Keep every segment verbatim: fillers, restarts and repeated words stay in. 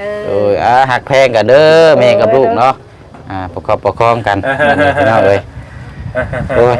โอ้ยอ่ะหักแพงกันเด้อแม่กับลูกเนาะอ่าประคอบประคองกันพี่น้องเอ้ยโอ้ย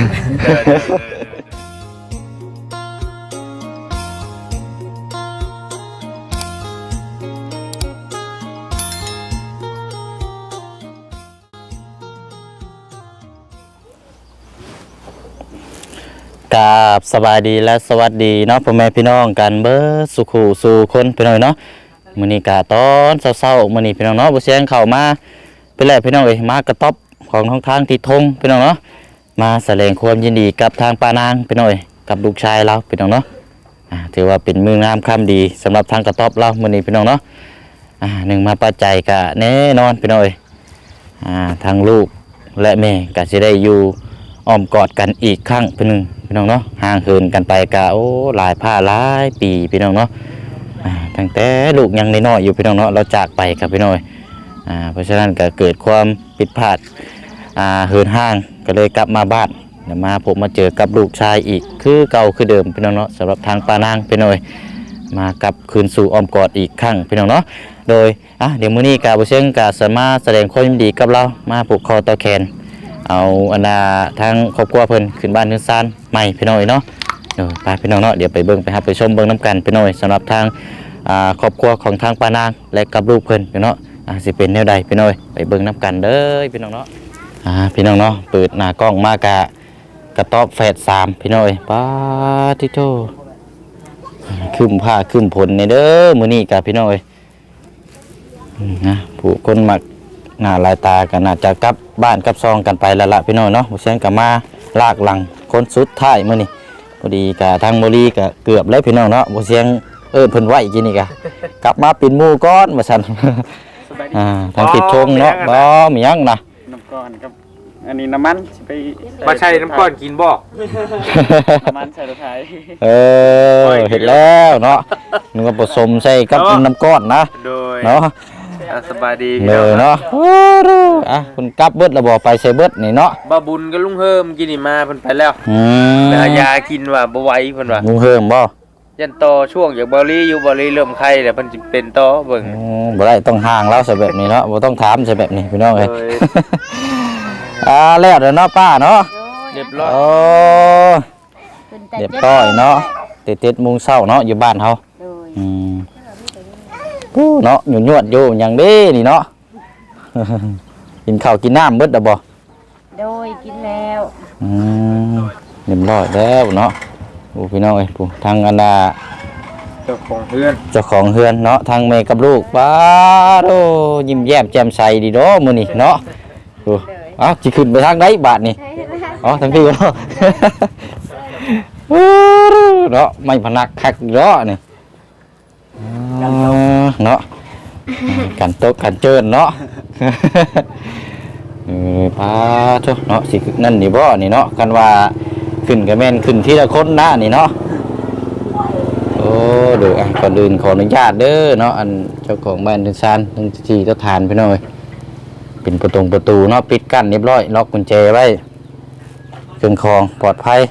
กราบสบายดีและสวัสดีเนาะพ่อแม่พี่น้องกันเบิดสุขสู่คนพี่น้องเนาะมื้อนี้กะตอนเช้าๆมื้อนี้พี่น้องเนาะบ่เสียงเข้ามาเป็นแรกพี่น้องเอ้ยมากระต๊อบของทางทางที่ทงพี่น้องเนาะมาแสดงความยินดีกับทางปานางพี่น้องเอ้ยกับลูกชายเราพี่น้องเนาะอ่าถือว่าเป็นมื้องามค่ำดีสำหรับทางกระต๊อบเรามื้อนี้พี่น้องเนาะอ่าหนึ่งมาปัจจัยกะแน่นอนพี่น้องเอ้ยอ่าทางลูกและแม่ก็สิได้อยู่อ้อมกอดกันอีกครั้งพี่นึงพี่น้องเนาะห่างเหินกันไปกะโอ้หลายผ้าหลายปีพี่น้องเนาะอ่าตั้งแต่ลูกยังน้อยๆอยู่พี่น้องเนาะเราจากไปกับพี่น้อยอ่าเพราะฉะนั้นก็เกิดความผิดพลาดอ่าเหินห่างก็เลยกลับมาบ้านเดี๋ยวมาผมมาเจอกับลูกชายอีกคือเก่าคือเดิมพี่น้องเนาะสำหรับทางปานางพี่น้อยมากับคืนสู่อ้อมกอดอีกครั้งพี่น้องเนาะโดยอ่ะเดี๋ยวมื้อนี้กาบ่เชิงกาสามารถแสดงความยินดีกับเรามาผูกคอต่อแขนเอาอันน่ะทางครอบครัวเพิ่นขึ้นบ้านขึ้นศาลใหม่พี่น้อยเนาะเดี๋ยวไปพี่น้องเนาะเดี๋ยวไปเบิ่งไปรับไปชมเบิ่งน้ำกันพี่น้อยสำหรับทางอ่าครอบครัวของทางปานางและกับลูกเพิ่นพี่น้องอ่าสิเป็นแนวใดพี่น้อยไปเบิ่งน้ำกันเด้อพี่น้องเนาะอ่าพี่น้องเนาะเปิดหน้ากล้องมากะกระต๊อบแฝดสามพี่น้อยปาติโตขึ้นผ้าขึ้นผลในเด้อมื้อนี้กะพี่น้อยนะผู้คนมักหน้าลายตากันน่าจะกลับบ้านกลับซองกันไปแล้วล่ะพี่น้อยเนาะบ่เสียงก็มาลากหลังคนสุดท้ายมื้อนี้พอดีกะทางโมลีก็เกือบแล้วพี่น้องเนาะบ่เสียงเอิ้นเพิ่นไว้กินนี่กะกลับมาปิ่นหมู่ก่อนว่าซั่นอ่าทางคิดชงเนาะบ่มีหยังนะน้ำก้อนครับอันนี้น้ำมันไปมาใช้น้ำก้อนกินบ่น้ำมันใส่รถไถเออเห็นแล้วเนาะนึกว่าผสมใส่กับน้ำก้อนนะโดยเนาะสบายดีเลยเนาะอ่ะคุณกลับเบิดแล้วบ่ไปใส่เบิดนี่เนาะบ่บุญกับลุงเฮิมกินนี่มาเพิ่นไปแล้วอืมแต่ยากินว่าบ่ไหวเพิ่นว่าลุงเฮิมบ่ยันต่อช่วงจากบ่ลีอยู่บ่ลีเริ่มไข้แล้วเพิ่นสิเป็นต่อเบิ่งอืมบ่ได้ต้องห่างแล้วใส่แบบนี้เนาะบ่ต้องถามใส่แบบนี้พี่น้องเอ้ยอ่าแล้วเด้อเนาะป้าเนาะเรียบร้อยโอ้เรียบร้อยเนาะติดๆมุงเช้าเนาะอยู่บ้านเฮาอืมกูเนาะหยุ่นยวดอยู่อย่างนี้นี่เนาะ กินข้าวกินน้ำเบิดดบ่โดยกินแล้วอืมเรียบร้อยแล้วเนาะโอ้พี่น้องเอ้ยผู้ทางอันดาเจ้าของเฮือนเจ้าของเฮือนเนาะทางแม่กับลูกป้าโอ้ยิ้มแย้มแจ่มใสดีเนาะมื้อนี้เนาะโอ้อ้าวสิขึ้นไปทางใดบาดนี่อ๋อทางพี่เนาะ เนาะไม่พนักคักเนาะนี่เนาะกันโต๊ะกันเจิญเนาะเออพาโธ่เนาะสินั่นนี่บ่นี่เนาะกันว่าขึ้นก็แม่นขึ้นทีละคนนะนี่เนาะโอ้ดูอ่ะก่อนอื่นขออนุญาตเด้อเนาะอันเจ้าของบ้านทึงซานทึงที่เจ้าทานพี่น้อยเป็นประตูประตูเนาะปิดกั้นเรียบร้อยล็อกกุญแจไว้เครื่องคองปลอดภัย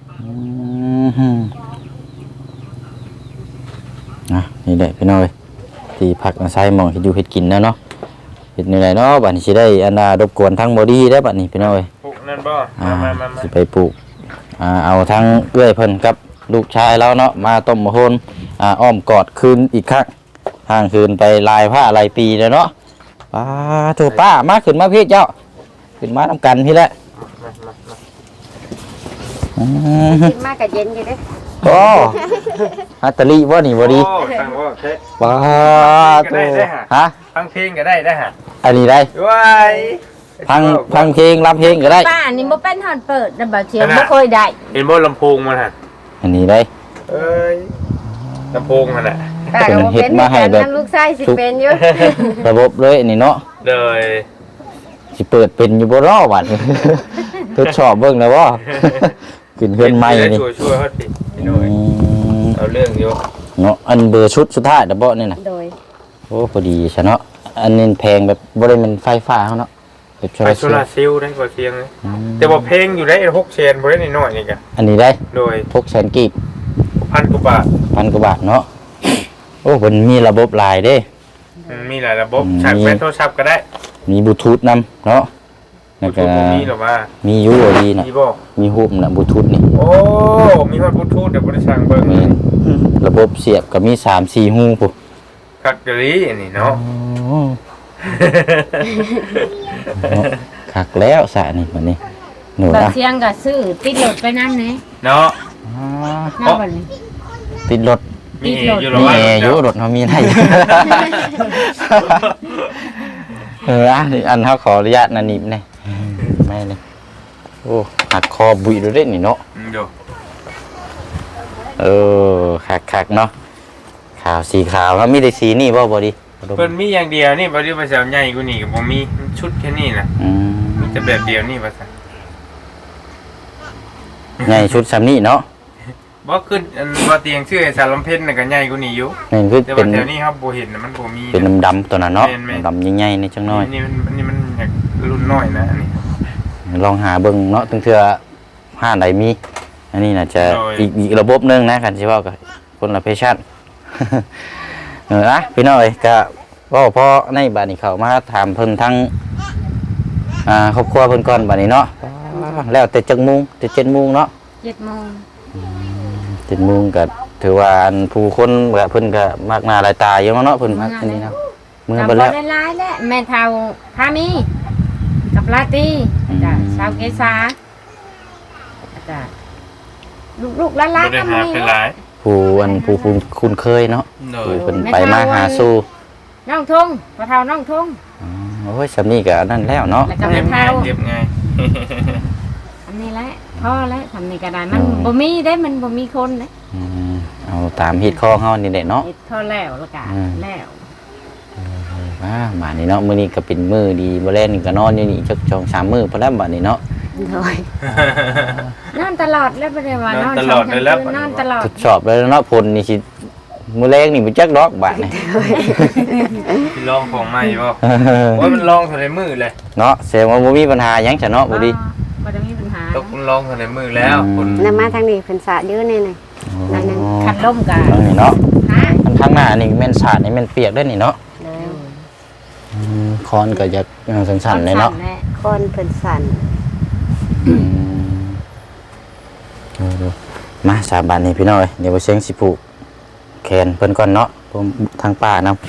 นะนี่แหละพี่น้อยที่พักอาศัยหมองเฮ็ดอยู่เฮ็ดกินนะเนาะเฮ็ดนี่แหละเนาะบัดนี้สิได้อันน่ะรบกวนทั้งบ่ดีได้บัดนี้พี่น้อยปลูกนั่นบ่มาๆสิไปปลูกอ่าเอาทั้งเอื้อยเพิ่นกับลูกชายแล้วเนาะมาต้มมะโหนอ่าอ้อมกอดคืนอีกครั้งห่างคืนไปลายผ้าลายปีแล้วเนาะป้าโธ่ป้ามาขึ้นมาพี่เจ้าขึ้นมานํกันพี่แหละกินมากกับเย็นอยู่เด้โอ้ฮัตตาลีบ่นี่บ่ดีโอ้ฟังบ่แท้ป้าโธ่ฮะฟังเพลงก็ได้ได้ฮะอันนี้ได้ว้ายฟังฟังเพลงรับเพลงก็ได้ป้านี่บ่เป็นฮอดเปิดน่ะบ่เชียวบ่เคยได้เห็นบ่ลำโพงมันฮะอันนี้ได้เอ้ยลำโพงมันน่ะป้าก็บ่เป็นมาให้แบบลูกชายสิเป็นอยู่ระบบเลยนี่เนาะเลยสิเปิดเป็นอยู่บ่รอบัดทดสอบเบิ่งแล้วบ่ขึ้นเฮือนใหม่นี่ช่วยๆเฮาติพี่น้อยเอาเรื่องอยู่เนาะอันเบอร์ชุดสุดท้ายดะบ่นี่น่ะโดยโอ้พอดีซะเนาะอันนี้แพงแบบบ่ได้มันไฟฟ้าเฮาเนาะแบบโซลาร์เซลล์ได้กว่าเสียงแต่ว่าเพลงอยู่ได้หกแสนบ่ได้น้อยๆนี่กะอันนี้ได้โดยหกแสนกีบพัน กว่าบาทพัน กว่าบาทเนาะโอ้เพิ่นมีระบบหลายเด้มันมีหลายระบบฉากแม่โทรศัพท์ก็ได้มีบลูทูธนำเนาะบลูทูธบ่มีหรอว่ามีอยู่บ่ดีน่ะมีบ่มีฮูบน่ะบลูทูธนี่โอ้มีฮอดบลูทูธเดี๋ยวบ่ได้สั่งเบิ่งแม่นระบบเสียบก็มีสามสี่ฮูพุ่นคักกะลีอันนี้เนาะเนาะคักแล้วสะนี่บัดนี้หนูบ่นะเสียงก็ซื้อติดรถไปนำแหน่เนาะนำบ่นี่ติดรถมีอยู่หรอมีว่าแอร์อยู่รถเฮามีได้ เอออ่ะนี่อันเฮาขออนุญาตนะนิบแน่แม่นี่โอ้หักคอบุยดูเด้นี่เนาะอืมอยู่เออคักๆเนาะขาวสีขาวแล้วมีแต่สีนี่บ่บ่ดีเพิ่นมีอย่างเดียวนี่บ่ได้ภาษาใหญ่กว่านี้ก็บ่มีชุดแค่นี้นะอืมมีแต่แบบเดียวนี่ภาษาใหญ่ชุดซ้ำนี่เนาะบ่ขึ้นอันว่าเตียงชื่อไอ้สารลำเพ็ญน่ะก็ใหญ่กว่านี้อยู่นี่คือแต่เป็ว่าน แถวนี้ครับบ่เห็นน่ะมันบ่มีเป็นดำๆตัวนั้นเนาะแม่นๆดำๆใหญ่ๆนี่จังน้อยอันนี้มันอันนี้มันอยากรุ่นน้อยนะอันนี้ลองหาเบิ่งเนาะถึงเทื่อห้านใดมี อันนี้น่าจะโดยอีกอีกระบบหนึงนะคันสิเว้าก็คนละเพชั่น เออนะพี่น้อยก็เว้าพอในบัดนี้เข้ามาถามเพิ่นทั้งอ่าครอบครัวเพิ่นก่อนบัดนี้เนาะแล้วแต่จักโมงแต่เจ็ดโมงเนาะเจ็ดโมงเจ็ดโมงก็ถือว่าอันผู้คนก็เพิ่นก็มากหน้าหลายตาอยู่เนาะเพิ่นมาอันนี้เนาะเมื่อก็เบิ่บ่แล้วได้หลายแหละแม่เฒ่าพามีกับลาตีจ้ะชาวเกษาจ้ะลูกๆหลานบ่ๆได้ก็หามีเป็นหลายผู้อันผู้ผู้คุ้นเคยเนาะโดผู้ยเพิ่นไปมาหาสู่น้องทงพอเฒ่าน้องทงอ๋อโอ้ยสำนี้ก็นั่นแล้วเนาะแล้วก็เก็แม่บง่าเฒ่ายเก็บง่ายอันนี้แหละพ่อแล้วทำนี่ก็ได้มันบ่มีได้มันบ่มีคนเด้อืมเอาตามฮิตข้องเฮานี่แหละเนาะเฮ็ดพอแล้วแล้วก็อืมแล้วอ่ามานี่เนาะมื้อนี้ก็เป็นมื้อดีบ่แลนี่ก็นอนอยู่นี่จักสองสามมื้อพอแล้วบัดนี้เนาะโดยนอนตลอดแล้วบ่ได้ว่านอนนอนตลอดเลยแล้วนอนตลอดทดสอบแล้วเนาะผลนี่สิมื้อแรกนี่บ่จักดอกบาดนี่ที่ลองของใหม่บ่โอ้ยมันลองเท่าในมือเลยเนาะแสดงว่าบ่มีปัญหาหยังซะเนาะบ่ดีบ่ได้มีปัญหาตกมันลองเท่าในมือแล้วคนนำมาทางนี้เพิ่นสาดเยอะแน่น่ะ นั่นคันลมก็ตรงนี้เนาะฮะมันข้างหน้านี่แม่นสาดนี่แม่นเปียกด้วยนี่เนาะเลยอืมคอนก็จะสั่นๆเลยเนาะแหละคอนเพิ่นสั่นอืมเอาดูมาสาบานนี่พี่น้อยเดี๋ยวไปเสียงสิผูกแขนเพิ่นก่อนเนาะผมทางป่านำ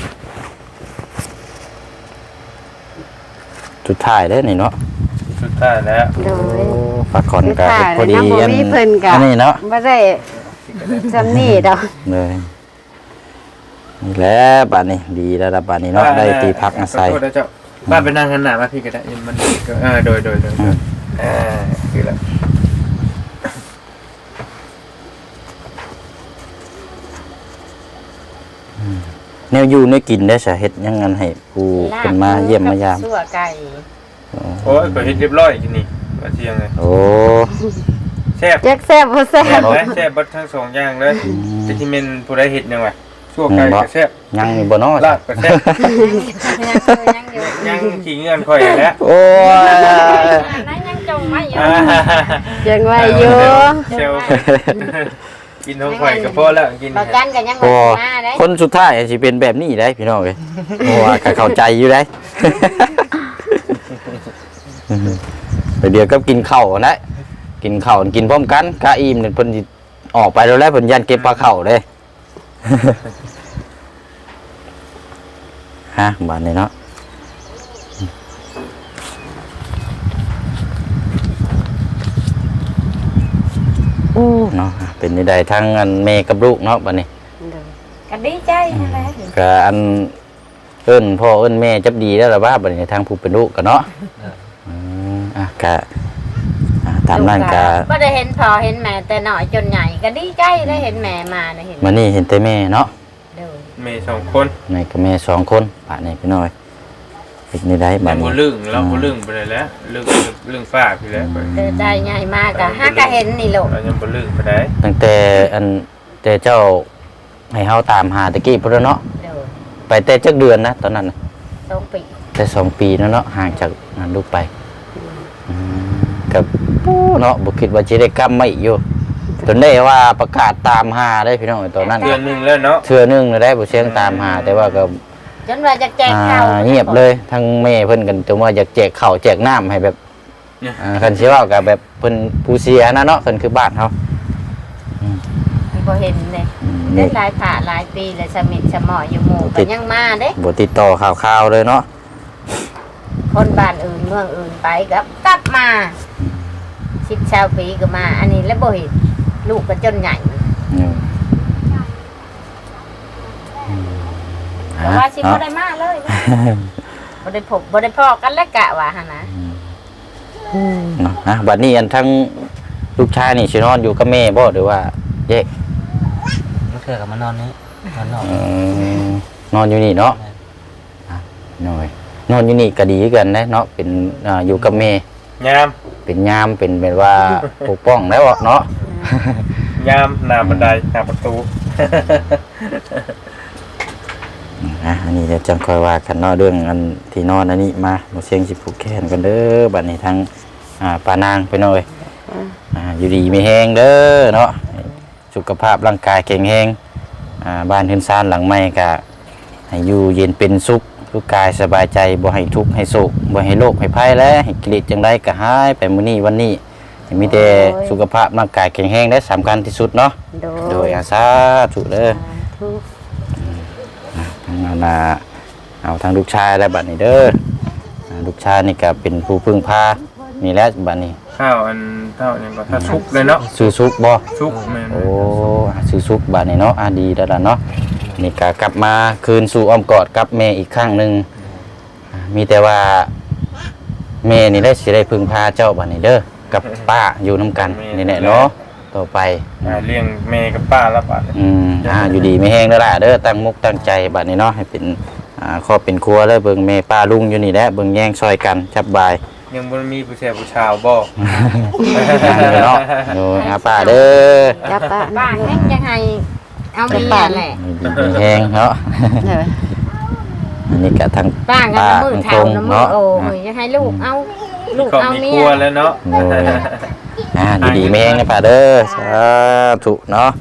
สุดท้ายเด้อนี่เนาะสุดท้ายแล้วโดยฝากคอนก็สุดท้ายพอดีแล้วนะบ่มีเพิ่นก็อันนี้เนาะบ่ได้จำนี่ดอกเลยนี่แหละบานนี้ดีแล้วล่ะบานนี้เนาะได้ตีพักอาศัยขอโทษนะเจ้าบ้านไปนั่งหันหน้ามาพี่ก็ได้มันก็เออโดยโดยโดยโดยอ่าคือแล้วแนวอยู่แนวกินได้สาเฮ็ดหยังงั้นให้ผู้เป็นมาเยี่ยมมายามซั่วไก่โอ้ยก็เฮ็ดเรียบร้อยกินนี่ว่าเที่ยงเลยโอ้แซ่บจักแซ่บบ่แซ่แซ่บบเลยแซ่บเบิดทั้งสองอย่างเลยจะที่เมนผู้ใดเฮ็ดยังไงชั่วไก่ก็แซ่บยังนี่บ่เนาะลาบก็แซ่บยังอยู่ยังขี้เงื่อนค่อยแล้วโอ้ยนั้นยังจงไว้อยู่อ่ายังไว้อยู่เซลกินของข่อยก็พอแล้วกินประกันก็ยังบ่โอ้มาได้คนสุดท้ายสิเป็นแบบนี้ได้พี่น้องเอ้ยเพราะว่าก็เข้าใจอยู่ได้ ไปเดี๋ยวก็กินข้าวนะกินข้าวกินพร้อมกันกะอิ่มเนี่ยเพิ่นสิออกไปแล้วแล้วเพิ่นยันเก็บปลาเข่าเด้ ฮะบ้านนี้เนาะโอ้เนาะเป็นนี่ใดทั้งอันแม่กับลูกเนาะบ้านนี้ก็ดีใจนั่นแหละก็อันเอิ้นพ่อเอิ้นแม่จับดีแล้วล่ะว่าบัดนี้ทางผู้เป็นลูกกันเนาะอืมอ่ะก็อ่ะตามนั้นก็บ่ได้เห็นพ่อเห็นแม่แต่น้อยจนใหญ่ก็ดีใจได้เห็นแม่มาได้เห็นมานี่เห็นแต่แม่เนาะเด้อเมย์สองคนแม่กับแม่สองคนป่านนี้พี่น้อยเป็นนี่ได้แต่บัดบ่นี้ลึงเราบ่ลึงไปเลยแล้วลึงลึงฝากไปแล้วเด้อได้ใหญ่มากก็หาก็เห็นนี่ลูกเรายังบ่ลึงไปได้ตั้งแต่อันแต่เจ้าให้เฮาตามหาตะกี้พุ่นเนาะเด้อไปแต่จักเดือนนะตอนนั้นน่ะสองปีแต่สองปีแล้วเนาะห่างจากนั้นลูกไปอืมกับปู้เนาะบ่คิดว่าสิได้กลับมาอีกอยู่จนได้ว่าประกาศตามหาได้พี่น้องตอนนั้นเดือนหนึงแล้วเนาะเทื่อนึงได้บ่เสียงตามหาแต่ว่าก็จนว่าจะแจกอ่าข้าวเงียบเลยทั้งแม่เพิ่นกันจนว่าอยากแจกข้าวแจกน้ำให้แบบอ่าคันสิเว้าก็แบบเพิ่นผู้เสียนะเนาะเพิ่นคือบ้านเฮาบ่เห็นเลยอืมได้นี่หลายผ่าหลายปีเลยสมิทสมออยู่หมู่ติก็ดยังมาเด้บ่ติดต่อข่าวๆเลยเนาะคนบ้านอื่นเมืองอื่นไปกับกลับมาสิบชาวปีก็มา อันนี้แล้วบ่เห็นลูกก็จนใหญ่อืมแต่ว่าสิบ่ได้มาเลยนะบ่ได้พบบ่ได้พอกันแล้วกะว่าหั่นนะเนาะนะบัดนี้อันทั้งลูกชายนี่สินอนอยู่กับแม่บ่หรือว่าแยกลูกเสือกับมานอนนี้นอนนอกอืมนอนอยู่นี่เนาะอ่ะน้อยนอนอยู่นี่ก็ดีคือกันนะเนาะเป็นอ่าอยู่กับแม่ยามเป็นยามเป็นแบบว่า ปกป้องแล้วเนาะยามหน้าบันไดหน้าประตูนะอันนี้เดี๋ยวจังค่อยว่ากันเนาะเรื่องอันที่นอนอันนี้มาบ่เสียงสิผูกแขนกันเด้อบัดนี้ทั้งอ่าปานางไปหน่อยอ่าอยู่ดีมีแฮงเด้อเนาะสุขภาพร่างกายแข็งแรงอ่าบ้านเฮือนซ่านหลังใหม่ก็ให้อยู่เย็นเป็นสุขทุกกายสบายใจบ่ให้ทุกข์ให้โศกบ่ให้โรคให้ภัยและให้กิเลสจังไดก็หายไปมื้อนี้วันนี้ให้มีแต่สุขภาพร่างกายแข็งแรงและสำคัญที่สุดเนาะโดโดยยอาสาธุเด้อทุกทั้งนานาเอาทั้งลูกชายและบัดนี้เด้ออ่าลูกชายนี่ก็เป็นผู้พึ่งพานี่แหละบัดนี้ข้าวอันเท่านี้ก็ถ้าชุกเลยเนาะซื้อซุกบ่ชุกแม่นโอ้อ่าซื้อซุกบัดนี้เนาะอ่าดีแล้วล่ะเนาะนี่ก็กลับมาคืนสู่อ้อมกอดกับแม่อีกครั้งหนึงอ่ามีแต่ว่าแม่นี่ได้สิได้พึ่งพาเจ้าบัดนี้เด้อกับป้าอยู่นํกันนี่แหละเนาะต่อไปอ่าเลี้ยงแม่กับป้าแล้วบัดนี้อืมอ่าอยู่ดีไม่แห้งแล้วล่ะเด้อตั้งมุกตั้งใจบัดนี้เนาะให้เป็นอ่าครอบเป็นครัวแล้วเบิ่งแม่ป้าลุงอยู่นี่แหละเบิ่งแย่งซอยกันจับบายยังบ่มีผู้ชายผู้ชาวบ่อ่าเนาะโอ้ยอาป้าเด้อจับปะบ้านแม่งยังให้เอาเมียแหละอยู่ดีไม่แห้งเนาะเลยอันนี้ก็ทั้งป้ากันน้ำมือเท่าน้ำมือเนาะโอ้ยจะให้ลูกเอาลูกก็เอามีเมีคยรัวแล้วเนาะโอ้ยอ่าอยู่ดีไม่แห้งนะป้าเด้อสาธุเนาะ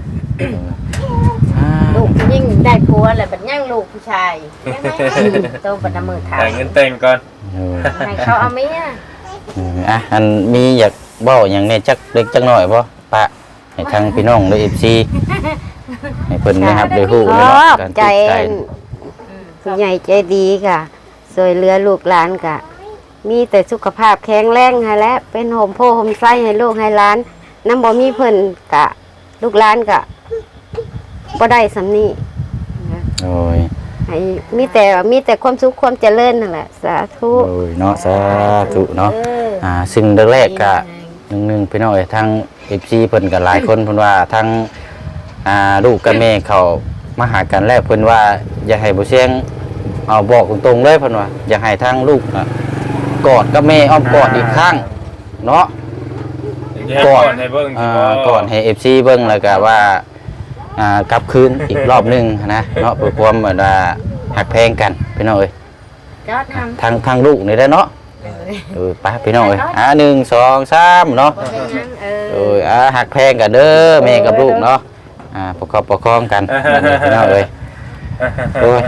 อ่าลูกยิ่งได้ผัวแล้วบัดย่างลูกผู้ชายยังไงโตบัดน้ำมือเท่าหาเงินแต่งก่อนโอ้ยให้เขาเอาเมียเอออ่ะอันมีอยากเว้าหยังเนี่ยจักเล็กจักน้อยบ่ป้าให้ทางพี่น้องได้ เอฟ ซี ให้เพิ่นนะครับได้ฮู้ขเลยอเนาะบการใจติดใจผู้ใหญ่ใจดีค่ะสวยเหลือลูกหลานกะ มีแต่สุขภาพแข็งแรงให้และเป็นโฮมโพโฮมไส้ให้ลูกให้หล้านน้ำบ่มีเพิ่นกะ ลูกหลานกะบ่ได้สำนี้โอ้ยให้มีแต่มีแต่ความสุขความเจริญนั่นแหละสาธุโอ้ยเนาะสาธุเนาะเอออ่าซึ่งแรกๆก็หนึงๆพี่น้องเอ้ยทาง เอฟ ซี เพิ่นก็หลายคนเพิ่นว่าทั้งอ่าลูกกับแม่เขามาหากันแล้วเพิ่นว่าอย่าให้บ่เสียงเอาบอกตรงๆเลยเพิ่นว่าอย่าให้ทางลูกน่ะกอดกับแม่อ้อมกอดอีกครั้งเนาะก่อนให้เบิ่งอ่าสิบ่ก่อนให้ เอฟ ซี เบิ่งแล้วก็ว่าอ่ากลับคืนอีกรอบหนึงนะเนาะเพื่อความแบบว่าหักแพงกันพี่น้องเอ้ยจอดทำทางทางลูกนี่ได้เนาะเออไปพี่น้องเอ้ยอ่าหนึ่งสองสามเนาะบ่เป็นหยังเอเออออ่าหักแพงกันเด้อแม่กับลูกเนาะอ่าประกอบประคองกันพี่น้องเอ้ยโอ้ย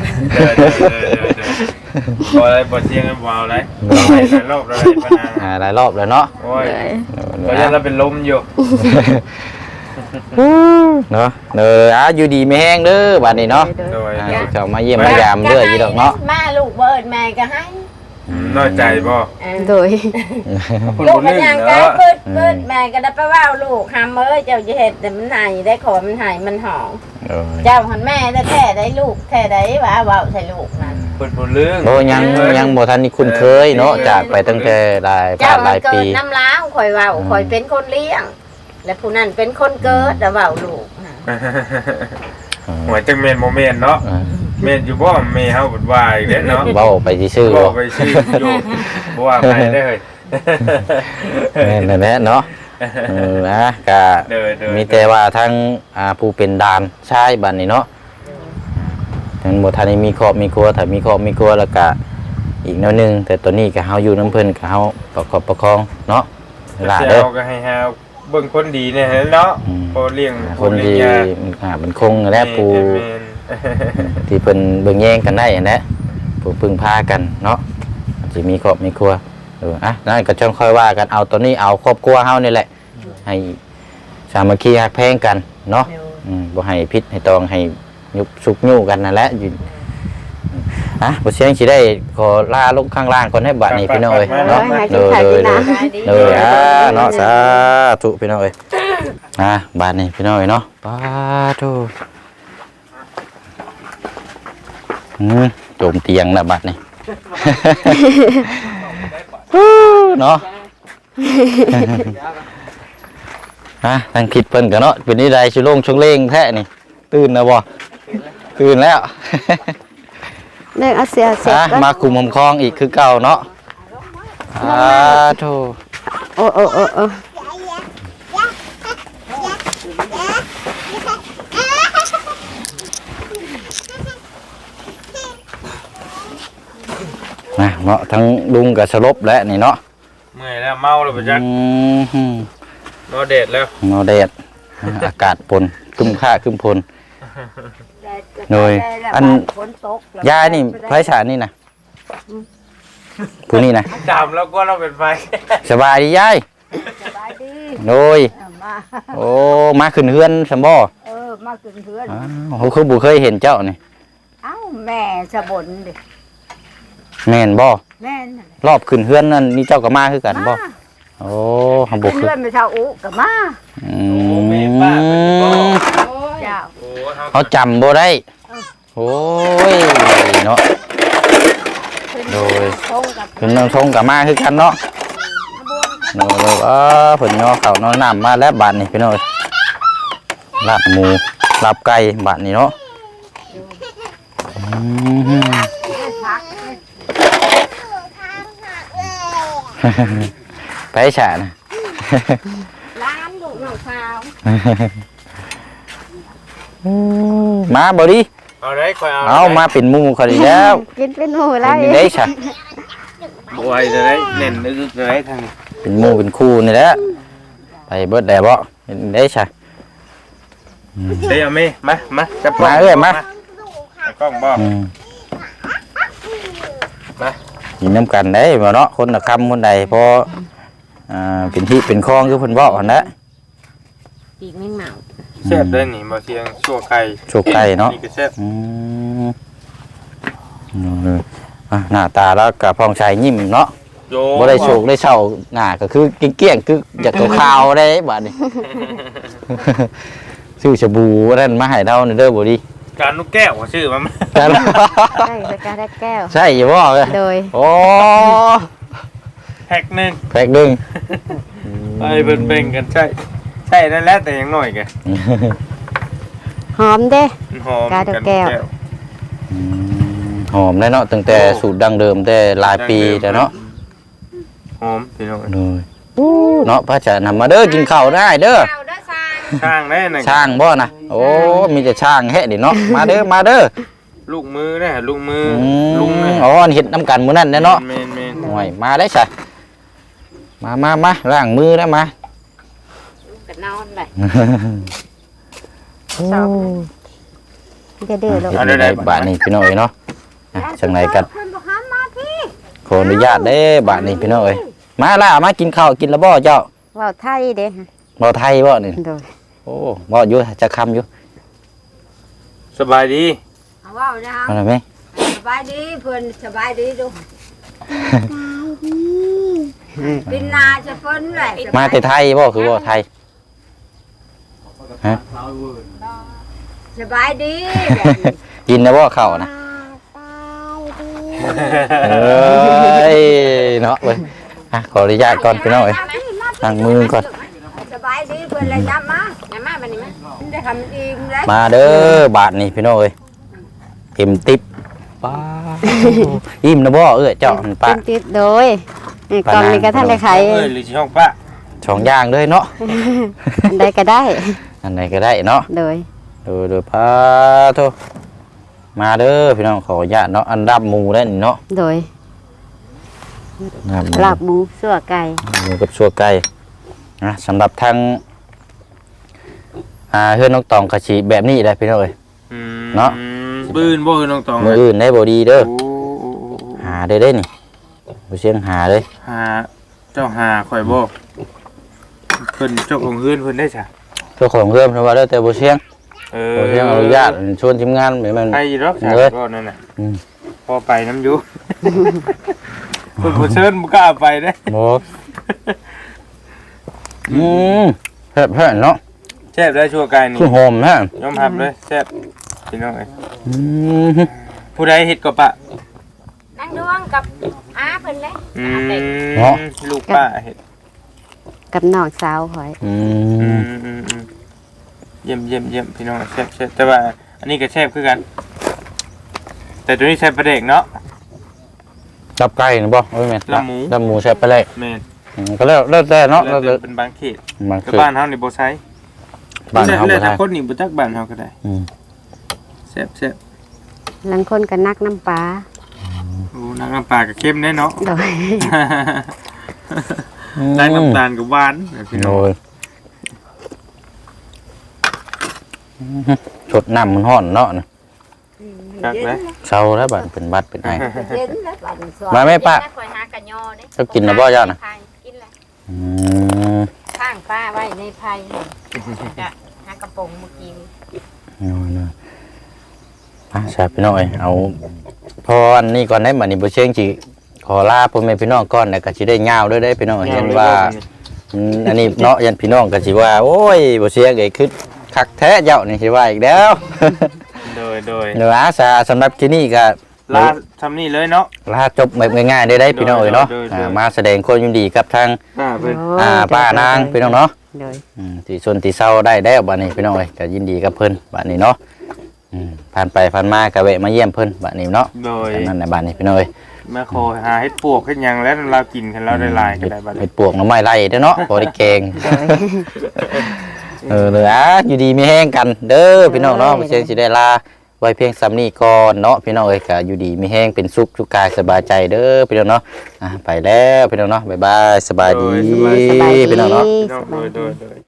บ่อะไรบ่เสียงบ่เอาอะไรบ่ให้รอบอะไรปานนั้นอ่าหลายรอบแล้วเนาะโอ้ยก็ยังเราเป็นลมอยู่เนาะเอออ่าอยู่ดีไม่แห้งเด้อบัดนี้เนาะโดยอ่าสิเข้ามาเยี่ยมมายามเด้ออยู่ดอกเนาะมาลูกเบิดแม่ก็ให้น้อยใจบ่เออโดยคุณลูกบ่มันลืมยังก็เนาะเปิดเปิดแม่ก็ได้ไปว่าลูกหามเอ้ยเจ้าจะเห็ดแต่มันหายได้ขอมันหายมันหอมโอ้ยเจ้าหันแม่ได้แท้ได้ลูกแท้ได้ว่าเว้าใส่ลูกนั่นเพิ่นบ่ลืมโอ้ยังยังบ่ทันนี่คุ้นเคยเนาะจากไปตั้งแต่หลายเจ้าผ่านหมัลาน ยเกิปีดน้ำล้างข่อยเว้าข่อยเป็นคนเลี้ยง และผู้นั้นเป็นคนเกิดแล้วเว้าลูกน่ะหัวจังแม่นบ่แม่นเนาะอ่าแม่นอยู่บ่แม่เฮาบ่ว่าอีกแล้วเนาะเว้าไปซื่อๆบ่บ่ไปชื่ออยู่บ่ว่าไปได้เฮ้ยแม่นแน่ๆเนาะเออนะก็เด้อๆมีแต่ว่าทั้งอ่าผู้เป็นดานชายบัดนี้เนาะทั้งบ่ทันได้มีครอบมีครัวถ้ามีครอบมีครัวแล้วก็อีกแนวหนึงแต่ตอนนี้ก็เฮาอยู่นํเพิ่นก็เฮาประกอบประคองเนาะหลาเจ้เด้อาก็ให้หาเบิ่งคนดีเนี่ยเนาะอืมพอเลี้ยงคนดีเลี้ยงยาอ่ามันคงและปูแม่นที่เพิ่นเบิ่งแย่งกันได้อันนั้นผู้พึ่งพากันเนาะสิมีครอบมีครัวเอออ่ะนั่นก็จ้องค่อยว่ากันเอาตัวนี้เอาครอบครัวเฮานี่แหละให้สามัคคีฮักแพงกันเนาะอืมบ่ให้พิษให้ตองให้ยุบสุกยู่กันนั่นแหละอยู่อ่ะบ่เสียงสิได้ขอลาลงข้างล่างก่อนให้บัดนี้พี่น้องเอ้ยเนาะเด้อๆๆเด้ออ่าเนาะสาธุพี่น้องเอ้ยอ่ะบัดนี้พี่น้องเอ้ยเนาะปาธุอืมโจมเตียงนะบัดนี้ เนาะ ฮะทางคิดเพิ่นกันเนาะเป็นนี่ใดชิโล่งชงเล่งแท้นี่ตื่นนะบ่ตื่นแล้วเรื่องเอาเสียเสร็จอ่ะก็มาคุมหมคลองอีกคือเก่าเนาะอ่าโธ่โอ้โอ้โอ้โอ้นะเนาะทั้งลุงกับสลบแล้วนี่เนาะเมื่อยแล้วเมาแล้วบ่จักอืมนอนเดดแล้วเนาะแดดอากาศปนครึ้มค่าครึ้มพลโดยอันยานี่ไผฉานี่นะผู้นี่นะดำแล้วก็เราเป็นไฟสบายดียายโดยโอ้มาขึ้นเฮือนสมบ่เออมากินเพื่อนอ้าวเขาคือบุเคยเห็นเจ้านี่เอ้าแม่สะบนดิแม่นบ่แม่น่ะรอบขึ้นเฮือนนั่นนี่เจ้าก็มาคือกันบ่โอ้หำบุขึ้นคือเพื่อนไปเท่าอุกับมาอืมเจ้าโอ้เขาจำบ่ได้โอ้ยเนาะ โดยคงกับขึ้นน้ำทงก็มาคือกันเนาะโน่นๆเออผลย่อเขาน้อยน้ำมาแล้วบาดนี่พี่น้อยลาบหมูลาบไก่บาดนี่เนาะอืม ไปฉะนะร้านลูกน้องสาวมาบ่ดิเอาได้คอยเอาเอามาเป็นหมูเขาดีแล้วกินเป็นหมูแล้เป็วนได้ฉะบวยจะได้เน่นนึกจะได้ทางนี้เป็นหมูเป็นคู่นี่แหละไปเบิดได้บ่เป็นได้ฉะเดี๋ยวเอาไหมมามาจับมาเอ้ยมาเอากล้องบ่อืมมากินน้ำกันได้บ่เนาะคนละคำคนใดพออ่าเป็นที่เป็นคลองคือเพิ่นเว้าหั่นแหละปีกแมงเมาแซ่บได้หนิบ่เสียงชั่วไก่โชคไก่เนาะนี่ก็แซ่บอืมเอออ่ะหน้าตาแล้วกับพองชายยิ้มเนาะโยบ่ได้โชคได้เช่าหน้าก็คือเกลี้ยงๆคืออยากขาวๆได้บัดนี้ ซื้อชาบูนั่นมาให้เราเด้อบ่ดีการนุกแก้วว่าชื่อมันกันใช่สกาได้แก้วใช่อยู่บ่เอ้ยโดยโอ้แพ็กหนึงแพ็กหนึงไปเบิ่งๆกันใช่ใช่นั่นแหละแต่ยังน้อยแกหอมเด้มันหอมกาดอกแก้วอืมหอมได้เนาะตั้งแต่สูตรดั้งเดิมแต่หลายปีแล้วเนาะหอมพี่น้องโดยเนาะพระจะนำมาเด้อกินข้าวได้เด้อเอาได้ซางช่างได้น่ะช่างบ่นะโอ้มีแต่ช่างแฮะดิเนาะมาเด้อมาเด้อลูกมือนะลูกมืออืลุงมนะอ๋อเฮ็ดน้ำกันมื้อนั้นแน่เนาะแมนแมนโอ้ยมาได้ซะมามามาล้างมือได้มาก็นอนเลยจะเดือดลงเฮ็ดได้บาดนี้พี่น้องเอ้ยเนาะอ่ะจังไดกันเพิ่นบอกห้ามมาพี่ขออนุญาตเด้บาดนี้พี่น้องเอ้ยมาล่ะมากินข้าวกินแล้วบ่เจ้าว่าวไทยเด้บ่ไทยบ่นี่โดยโอ้บ่อยู่จะคำอยู่สบายดีเอาว่านะฮะเอาล่ะแม่สบายดีเพิ่นสบายดีดูปินนาจะเพิ่นแหละมาแต่ไทยบ่คือบ่ไทยฮะสบายดีกินแล้วบ่ข้าวนะเอ้ยเนาะเว้ยอ่ะขออนุญาตก่อนพี่น้องเอ้ยล้างมือก่อนสบายดีเพิ่นเลยย้ำมาอย่ามาบัดนี้มาได้ทำอิ่มเลยมาเด้อบาทนี่พี่น้องเอ้ยเต็มติ๊บป้าอิ่มนะบ่เอ้ยเจ้ามันป้ากินติดโดยนี่กล่องนี้ก็ท่านได้ขายเอ้ยหรือช่องป้าสองอย่างเลยเนาะอันใดก็ได้อันไหนก็ได้เนาะโดยดูดูพาโทมาเด้อพี่น้องขออนุญาตเนาะอันดับหมูได้นี่เนาะโดยลาบหมูลาบหมูสั่วไก่หมูกับชัวไก่นะสำหรับทางอ่าเฮือนนกตองกะชีแบบนี้ได้พี่น้องเอ้ยอืมเนาะอืมปืนบ่คือน้องตองมื้ออื่นได้บ่ดีเด้อโอ้โอ้โอ้โอ้หาได้เด้นี่บ่เสียงหาเลยหาเจ้าหาข่อยบ่เพิ่นเจ้าของเฮือนเพิ่นได้จ้ะเจ้าของเพิ่มเพราะว่าแล้วแต่บ่เสียงเอบ่เสียงอนุญาตชวนทีมงานให้มันไปอยู่ดอกจ้ะเลยก็นั่นน่ะอืมพอไปน้ำอยู่ เพิ่นบ่เชิญบ่กล้าไปเด้บ่อืมแซ่บๆเนาะแซ่บได้ชั่วกายนี่คือหอมฮะยอมรับเลยแซ่บพี่น้องเอ้ยอืมผู้ใดเฮ็ดก็ปะนั่งดวงกับอาเพิ่นเลยอือาเต็กมลูกป้าเฮ็ดกับน้องสาวข่อยอือืมมอืมอืมเยี่ยมเยี่ยมเยี่ยมพี่น้องแซ่บแซ่บแต่ว่าอันนี้ก็แซ่บคือกัน แต่ตัวนี้ใช้ประเด็กเนาะจับไก่นะบ่โอ้ยแม่นลาบหมูลาบหมูใช่ไปเลยแม่นอืมก็แล้วแล้วแต่เนาะแล้วแต่เป็นบางเขตมันแต่คือบ้านเฮานี่บ่ใช้บ้านเฮาแล้บ่วแต่ได้คนนี่บ่จักบ้านเฮาก็ได้อืมแซ่บแซ่บลังคนก็นักน้ำปลาโอ้น้ำน้ำปลาก็เข้มแน่เนาะโดยได้น้ำตาลกับหวานพี่น้องโอ้ยชดน้ำมันฮ้อนเนาะนะจักเลยเศร้าแล้วบัดเป็นบัดเป็นไอเย็นแล้วบัดนี้สวมาแม่ป้าคอยหากะยอเด้เจ้ากินนะบ่ย่าน่ะกินแล้วอืมข้างป้าไว้ในไผ่จะหากระป๋องเมื่อกี้เอาเนาะอ่ะใช่พี่น้อยเอาพออันนี้ก่อนได้บัดนี้บ่เชียงสิขอลาพ่อแม่พี่น้องก่อนแล้วก็สิได้ยาวด้วยได้พี่น้องเห็นว่าอืมอันนี้เนาะยันพี่น้องก็สิว่าโอ้ยบ่เชียงไอ้คือคักแท้เจ้านี่สิว่าอีกแล้วโดยโดยเดี๋ยวอาสาสำหรับที่นี่ก็ลาทำนี่เลยเนาะลาจบแบบง่ายๆได้ได้พี่น้องเอ้ยเนาะโดยโดยอ่ามาแสดงความยินดีกับทางอ่าเพิ่นอ่าป้านางพี่น้องเนาะโดยอืมที่ชนที่เศร้าได้ได้บัดนี้พี่น้องเอ้ยก็ยินดีกับเพิ่นบัดนี้เนาะอืมผ่านไปผ่านมาก็แวะมาเยี่ยมเพิ่นบัดนี้เนาะโดยฉะนั้นในบัดนี้พี่น้องเอ้ยมาขอหาเฮ็ดปวกเฮ็ดหยังแล้วเรากินกันเราได้หลายก็ได้บัดเฮ็นี้ดปวกหน่อไม้ไล่เด้อเนาะบ่ได้แกงโดยเออเลยอ่ะอยู่ดีมีแห้งกันเด้อพี่น้องเนาะโดยบ่เชิงสิได้ลาไว้เพียงซ้ำนี้ก่อนเนาะพี่น้องเอ้ยก็อยู่ดีมีแห้งเป็นสุขสุขกายสบายใจเด้อพี่น้องเนาะอ่ะไปแล้วพี่น้องเนาะบ๊ายบายสบายดีโดยสบายสบายดีพี่น้องเนาะพี่น้องโดยโดยโดย